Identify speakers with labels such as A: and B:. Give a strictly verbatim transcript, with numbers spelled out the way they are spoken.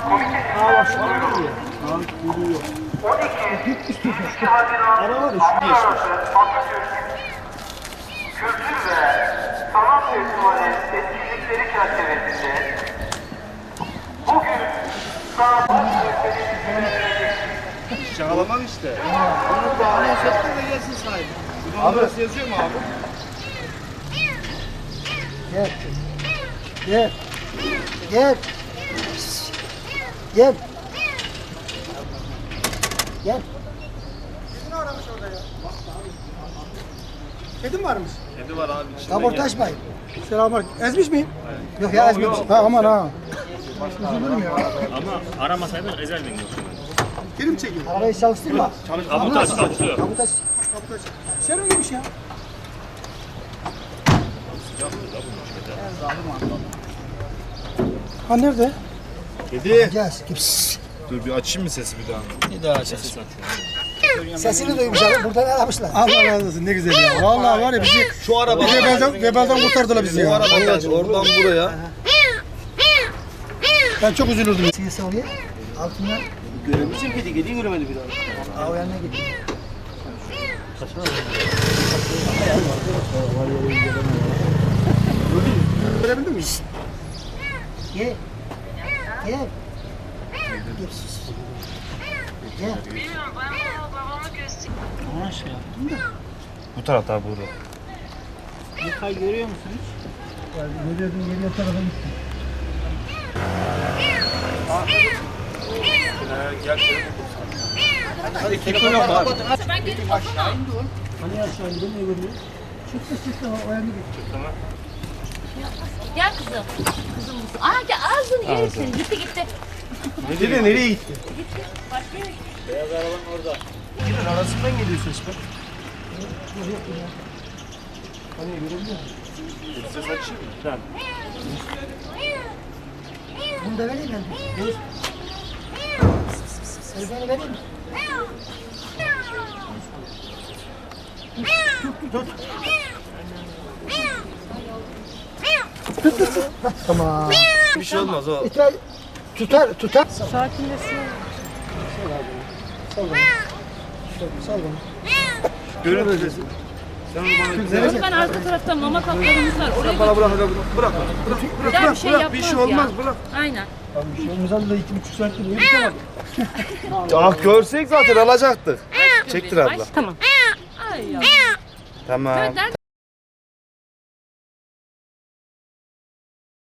A: Aa bak şu an geliyor. Aa geliyor. Ara var ya şu geçmiş.
B: Kültür ve sanat festivali etkinlikleri çerçevesinde bugün sanat gösterisi
C: Şakalamak işte.
A: Onu bağlayan sektör de gelsin sahibi.
C: Abi burası yazıyor mu abi?
D: Gel. Gel. Gel. Gel. Gel.
A: Kedim varmış.
C: Kedi var abi. içinde
D: Kaportaj bayım.
A: Selamünaleyküm. Ezmiş miyim?
D: Yok ya ezmemiş. Ha aman ha.
E: Ama aramasaydın ezer miyim yoksa?
A: Kedim çekiyor.
D: Arabayı çalıştırma.
E: Kaputaj çalışıyor.
D: Kaputaj.
A: Şermin gibiymiş ya. Ha nerede?
C: Kedi.
D: Gel. Gips.
C: Dur bir açayım mı sesi bir daha?
A: Bir daha açacağız.
D: Sesini duymuş abi. Buradan aramışlar.
A: Allah razı olsun ne güzel ya. Vallahi var ya bizi
C: Şu araba.
A: bizi vebalden, vebalden kurtardılar bizi
C: Bu
A: ya.
C: arabadan oradan buraya.
A: Ben çok üzülürdüm.
D: Sesi oraya. Altından.
A: Görebilirsin kedi, kediyi göremedi bir daha.
D: Aa o yanına gidiyor.
A: Görebildin mi?
D: Gel. Gel. Gips. Gel.
F: Bilmiyorum bana babamı göster.
A: Ona şey yaptım da.
C: Bu tarafta abi burada.
A: Yıkay görüyor musun hiç?
D: Ya, görüyordum geliyor tarafa gitti.
A: Hadi keko yok abi.
F: Ben gelip bakamam.
D: Hani aşağı gidiyor ne görüyor? Çıktı çıktı o yanına gitti.
F: Gel kızım. Kızım mısın? Aa gel ağzını yerim seni. Gitti gitti.
A: Kedi nereye gitti?
F: Başka yere gitti.
A: Kedinin arasından geliyor ses bak.
D: Hani görebiliyor musun?
C: Ses açayım mı?
D: Bunu da vereyim ben. Dur. Elbeni vereyim mi? Tut tut tut. Hah, tamam.
C: Bir şey olmaz o.
D: İtiraz tutar tutar.
F: Sakinleşsin.
D: Sal bana. Sal bana.
C: Görün sesi. Sen onu bana
F: Ben arka tarafta mama kaplarımız var. Oraya
C: bana bırak bırak bırak. Bırak
F: Gel bir şey
C: bırak
F: yapmaz
C: bir şey olmaz
F: ya.
C: bırak.
F: Aynen.
D: Abi bir şey olmaz da iki buçuk saattir uyuyup kalmadık.
C: Ah görsek zaten alacaktık. Çektir abla.
F: Tamam. Ay ya.
C: Tamam.
F: Nerede?